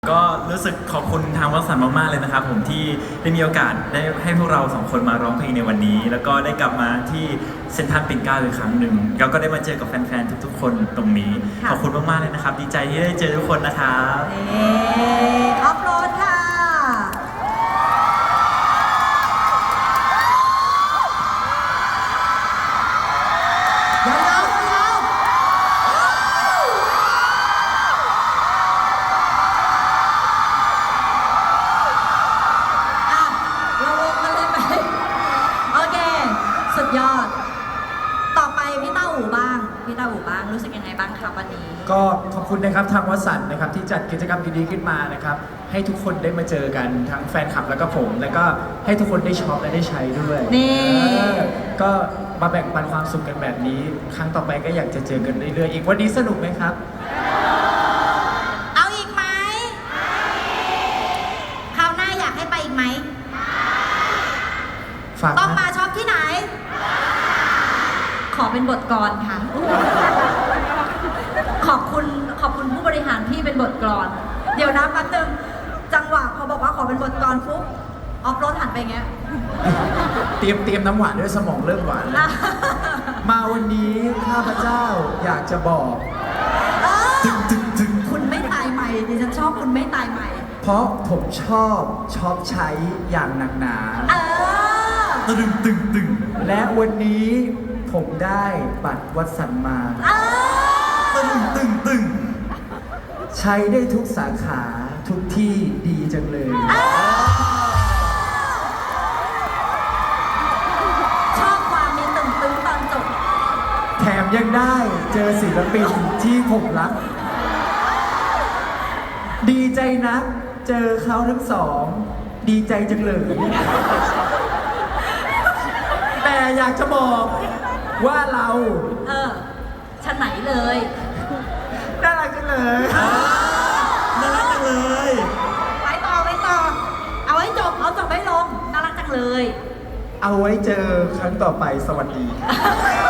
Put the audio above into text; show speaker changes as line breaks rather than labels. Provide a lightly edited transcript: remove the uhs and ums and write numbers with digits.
ก็รู้สึกขอบคุณทางวัสันต์มากๆเลยนะครับผมที่ได้มีโอกาสได้ให้พวกเราสองคนมาร้องเพลงในวันนี้แล้วก็ได้กลับมาที่เซ็นทรัลปิ่นเกล้าอีกครั้งหนึ่งแล้วก็ได้มาเจอกับแฟนๆทุกๆคนตรงนี้ขอบคุณมากๆเลยนะครับดีใจที่ได้เจอทุกคนนะครับ
ออฟโรดค่ะสุดยอดต่อไปพี่เต้าอู่บ้างรู้สึกยังไงบ้างครับวันนี้
ก็ขอบคุณนะครับทางวัสันต์นะครับที่จัดกิจกรรมดีๆขึ้นมานะครับให้ทุกคนได้มาเจอกันทั้งแฟนคลับแล้วก็ผมแล้วก็ให้ทุกคนได้ช็อปและได้ใช้ด้วย
นี่
ก็มาแบ่งปันความสุขกันแบบนี้ครั้งต่อไปก็อยากจะเจอกันเรื่อยๆอีกวันนี้สนุกไหมครับ
เอาอีกไหมคราวหน้าอยากให้ไปอีกไหมต้องมาช็อปที่ไหนขอเป็นบทกลอนค่ะขอบคุณผู้บริหารที่เป็นบทกลอนเดี๋ยวนะแป๊บนึงจังหวะพอบอกว่าขอเป็นบทกลอนปุ๊บออฟโรดหันไปเงี้ย
เตรียมน้ำหวานด้วยสมองเริ่มหวานแล้วมาวันนี้ข้าพเจ้าอยากจะบอก
คุณไม่ตายใหม่ดิฉันชอบคุณไม่ตายใหม่
เพราะผมชอบใช้อย่างหนักหนา
ตึง
และวันนี้ผมได้บัตรวัดสันมา
ตึง
ใช้ได้ทุกสาขาทุกที่ดีจังเลย
ชอบความมีตึงตอนจบ
แถมยังได้เจอศิลปินที่ผมรักดีใจนะเจอเขาทั้งสองดีใจจังเลยแต่อยากจะบอกว่าเรา
ฉันไหนเลย
น่ารักจังเลย
น่ารักจังเลย
ไปต่อเอาให้จบเอาจบให้ลงน่ารักจังเลย
เอาไว้เจอครั้งต่อไปสวัสดี